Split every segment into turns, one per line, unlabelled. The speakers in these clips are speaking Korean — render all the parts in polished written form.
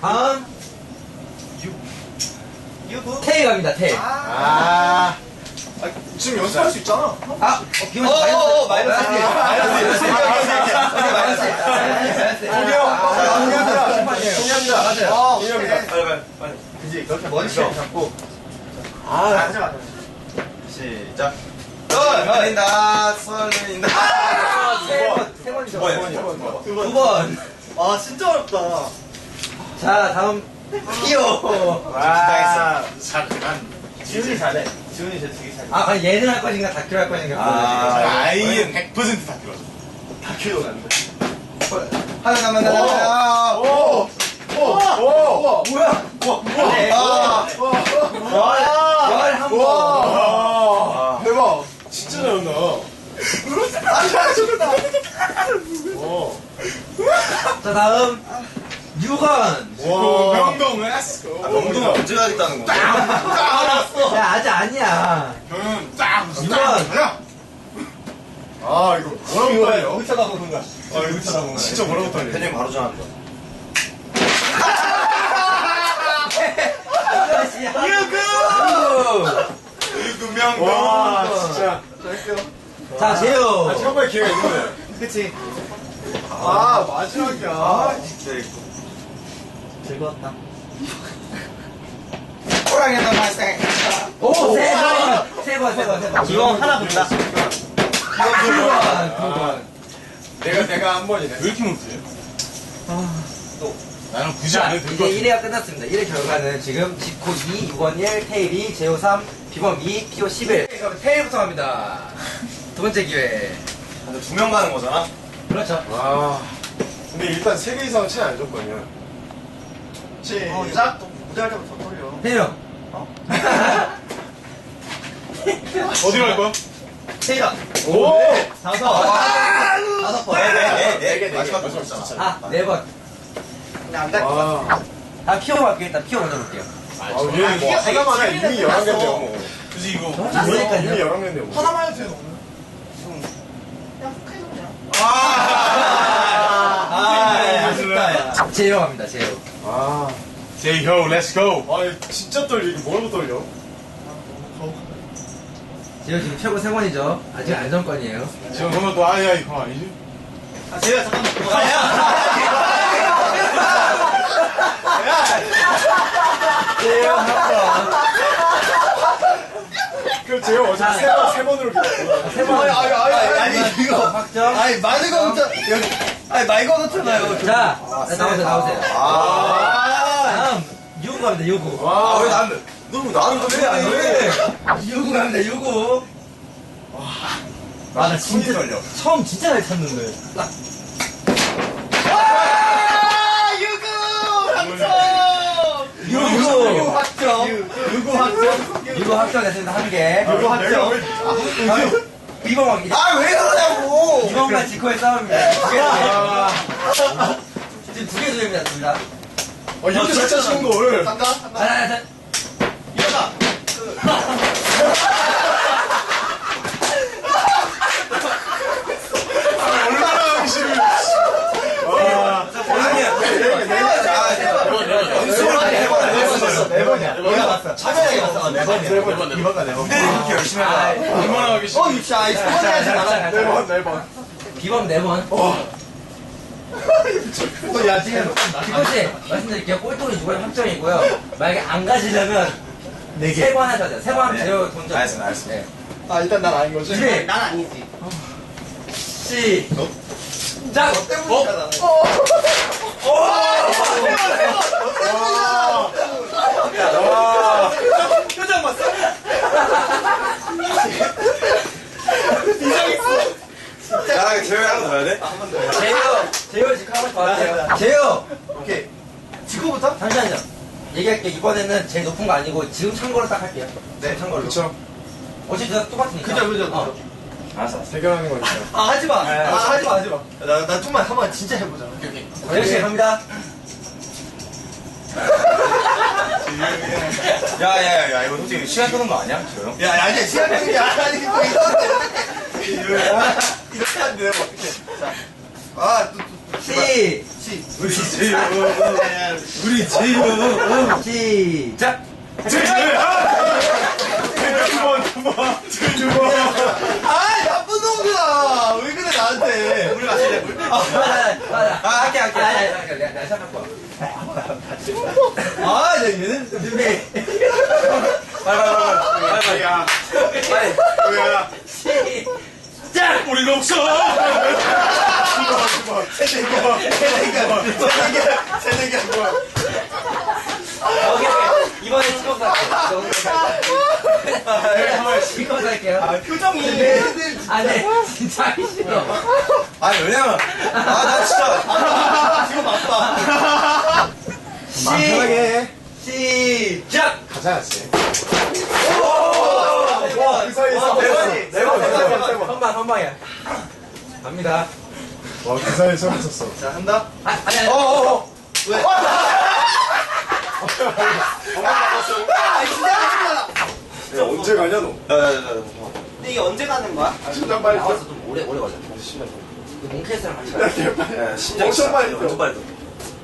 다음
유부.
테이 갑니다. 테이.
지금 연습할 수 있잖아.
비원 마이너스 1. 마이너스 1.
동의합니다.
맞아요.
동의합니다.
빨리.
그지? 그렇게 머리를 잡고.
맞아. 시작. 설린다. 설린다.
세 번이죠.
두 번이요.
두 번.
아 진짜 어렵다.
자, 다음 피오.
와.
지훈이 잘해.
지훈이 제 되게 잘해.
아니 얘는 할 것인가 다큐를 할 것인가.
아이엔 100% 다 들어.
다큐도 안 돼. 하나 남았나?
오!
뭐야? 열한 번.
대박. 진짜 잘한다.
자, 다음 6원.
명동, 렛츠고.
명동을 언제 가겠다는 거야?
야, 아직 아니야.
저는 딱!
유관.
아, 이거 뭐라고 떨려?
쳐다보는 거야.
아, 이거 진짜 뭐라고 떨려?
팬님 바로 전화한다.
유구.
명동.
와, 진짜.
자, 재호.
처음에 기회가 있는데.
그치.
마지막이야.
진짜 이거.
즐거웠다.
호랑이도 맛있게.
오, 세 번.
기왕 하나 본다.
9번.
내가 한 번이네. 왜 이렇게 못해? 나는 굳이 안 해도
이제 1회가 끝났습니다. 1회 결과는 지금 지코 2, 6원 1, 테일 2, 제호 3, 비범 2, 피오 11. 그럼 테일부터 갑니다. 두 번째 기회.
근데 2명 가는 거잖아?
그렇죠.
근데 일단 3개 이상은 차이 안 줬거든요.
시작. 또 무대할 때부터 더 떨려.
테일 형.
어디로 갈 거야?
테일아.
오!
다섯 번.
네 개. 마지막 거 있잖아.
아, 4번.
근데 안 갈.
다 피오 갈게요. 일단 피오 먼저 볼게요.
얘는 뭐 하나만 해. 이미 11개인데요, 뭐.
그지 이거.
이미
그러니까요.
11개인데요, 뭐.
하나만 해도 돼, 너는.
아쉽다, 야. 제호 갑니다, 제호.
제이호, 렛츠고. 아니, 진짜 떨려. 이게 뭐라고 떨려?
제호 지금 최고 3번이죠. 아직 안정권이에요.
지금 그러면 또, 아니야, 이거 아니지?
제가 잠깐만.
제호 한 번.
그 제이호 어차피 세 번으로 기다려.
세 번.
아니, 이거.
확정.
아니, 많은 거 없잖아. 여기. 아니, 많이 거놓잖아요.
자, 나오세요. 다음, 유구 갑니다, 유구.
왜 나는? 너 나는 왜안 해?
유구 갑니다, 유구. 나
손이
진짜,
떨려.
처음 진짜 잘 쳤는데. 딱. 유구 확정. 유구 확정했습니다, 한 개.
유구 확정.
비범 확정.
왜 그러냐고!
비범과 지코의 싸움입니다. 지금 두 개 수입니다.
이렇게 잘 차시는 걸.
간다?
하나,
일어나!
얼마나 하기 싫은.
네 번이야. 내가 봤어. 차분하게 봤어. 네 번이야. 이번가 네 번. 이렇게 열심히 하다.
얼마나 하기 싫은.
진짜. 이 소리 하지 마라.
네 번.
비범 4번.
야, 지금.
지코씨, 말씀드릴게요. 꼴통이 6번 확정이고요. 만약에 안 가시려면 3번 하셔야 돼요. 3번 하면 제어 돈 좀.
알겠습니다.
네.
일단 난 아닌 거지?
준비.
난 아니지.
자,
너 때문이니까 나는. 표정 봤어? 야, 재호이 하나 더 해야 돼?
제어 지금 한번 더 하세요. 제어!
오케이. 지금부터?
잠시만요. 얘기할게요. 이번에는 제일 높은 거 아니고 지금 찬 거로 딱 할게요.
네,
찬 걸로.
그쵸.
어차피 다 똑같으니까.
그죠.
알았어.
해결하는 거니까.
하지 마. 하지 마. 나 좀만 한번 진짜 해보자.
열심히 갑니다.
야, 이거 솔직히 시간 끄는 거 아니야? 저요?
야, 아니야, 시간 끄는 게 아니, 뭐 이렇게 하는데 내가 어떻게. 자. 아, 또.
우리 제유. 우리 제유. 시작.
아, 나쁜 놈들아. 왜 그래, 나한테.
물 마실래, 물?
맞아. 할게. 내가 시작할 거야.
아, 얘는.
준비. 빨리.
야,
빨리.
뭐야?
시작.
우리 녹서.
새내기 한 거.
오케이. 이번에 찍어서 할게요. 찍어서 할게요.
표정이.
네. 진짜 하기 싫어.
아니, 왜냐면, 나 진짜.
지금 맞다.
시작.
가자, 씨.
와, 그 사이에서.
네 번.
선방이야. 갑니다.
와, 그 사이에 처음 쳤어.
자, 한다.
아니.
왜?
야, 언제 가냐, 너?
근데 이게 언제 가는 거야?
심장 빨리
나와서 좀 오래 걸려. 몽캐스랑 같이 가요.
심장
엄청 빨리
완전 빨리 떠.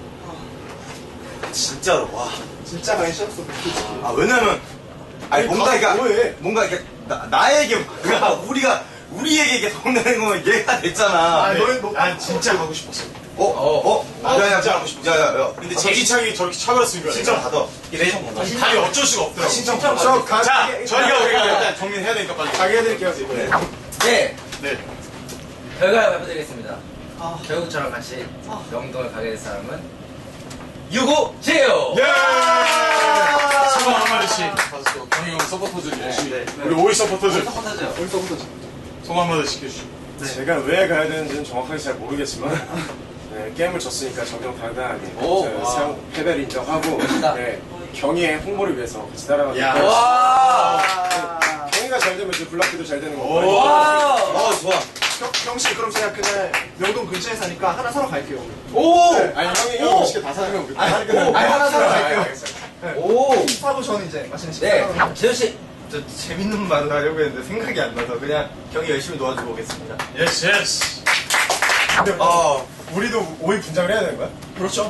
진짜로, 와.
진짜 많이 쉬었어.
아, 왜냐면, 아니, 뭔가,
가서
그러니까,
뭐해?
뭔가, 이렇게, 나에게, 우리에게 이게 성내는 거면 얘가 됐잖아.
아니, 너는 뭐, 난 진짜 가고 싶었어.
야,
진짜 하고 싶어.
야.
근데 제기창이 저렇게 차버렸으니까.
신청 받아.
답이 어쩔 수가 없더라고.
신청
자, 저희가 일단 정리해야 되니까 빨리. 가게 해드릴게요, 이번에.
네.
네.
결과 발표드리겠습니다. 결국 저랑 같이 명동을 가게 될 사람은 유고 제요.
예! 소감 한마디씩. 경희 형 서포터즈 열심히. 우리 오이 서포터즈.
서포터죠.
소감 한마디씩 해주시고. 제가 왜 가야 되는지는 정확하게 잘 모르겠지만 네, 게임을 졌으니까 적용 당당하게 패배를 인정하고 네, 경희의 홍보를 위해서 같이 따라가니까
와.
경희가 잘 되면 이제 블락비도 잘 되는 거고
좋아.
형씨, 그럼 제가 그날 명동 근처에 사니까 하나 사러 갈게요.
네, 아니 형이 맛있게 다 사면 우리
하나 사러 갈게요.
오.
사고 저는 이제 맛있는 식사.
네. 재현 씨.
저 재밌는 말을 하려고 했는데 생각이 안 나서 그냥 경이 열심히 도와주고 오겠습니다.
예스. 근데 우리도 오이 분장을 해야 되는 거야?
그렇죠.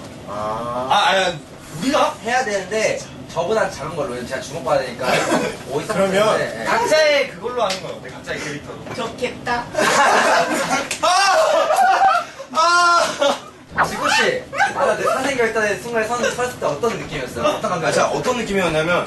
우리가 해야 되는데 저보다 작은 걸로 제가 주목받아야 되니까 오이
그러면
네.
각자의 그걸로 하는 건 어때? 각자의 캐릭터로.
좋겠다. 지구 씨, 내 사생 결단의 순간에 섰을 때 어떤 느낌이었어요? 어떤 감각이었어요?
자, 어떤 느낌이었냐면,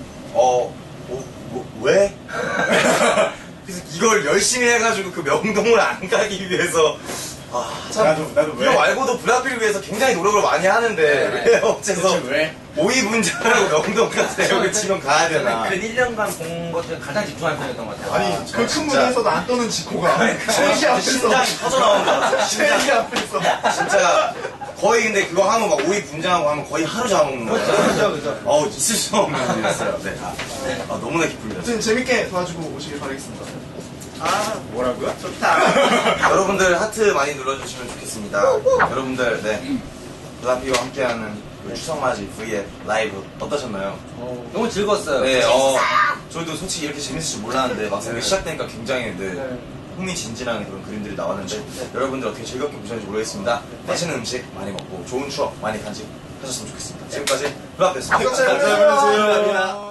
왜? 그래서 이걸 열심히 해가지고 그 명동을 안 가기 위해서,
나도 왜?
이거 말고도 블락비를 위해서 굉장히 노력을 많이 하는데,
네.
왜 어째서
왜?
오이 분장하고 명동까지 여기 치면 가야 되나?
저는 그 1년간 본 것 중에 가장 집중한 편이었던 것 같아요.
아니, 그 큰 무대에서도 안 떠는 지코가. 쉐이기 앞에서.
심장이 터져 나오는 거 같아.
쉐이기 앞에서.
진짜 거의 근데 그거 하면 막 오이 분장하고 하면 거의 하루 잡아먹는 거예요.
그렇죠.
있을 수 없는 일이었어요. 네. 너무나 기쁩니다.
아무튼 재밌게 도와주고 오시길 바라겠습니다.
뭐라고요?
여러분들 하트 많이 눌러주시면 좋겠습니다. 여러분들, 네. 블락비와 함께하는 그 추석맞이 V의 라이브 어떠셨나요?
너무 즐거웠어요.
네, 저희도 솔직히 이렇게 재밌을 줄 몰랐는데 막상 시작되니까 굉장히 흥미진진한 그런 그림들이 나왔는데 여러분들 어떻게 즐겁게 보셨는지 모르겠습니다. 맛있는 음식 많이 먹고 좋은 추억 많이 간직하셨으면 좋겠습니다. 지금까지 블락비였습니다.
감사합니다.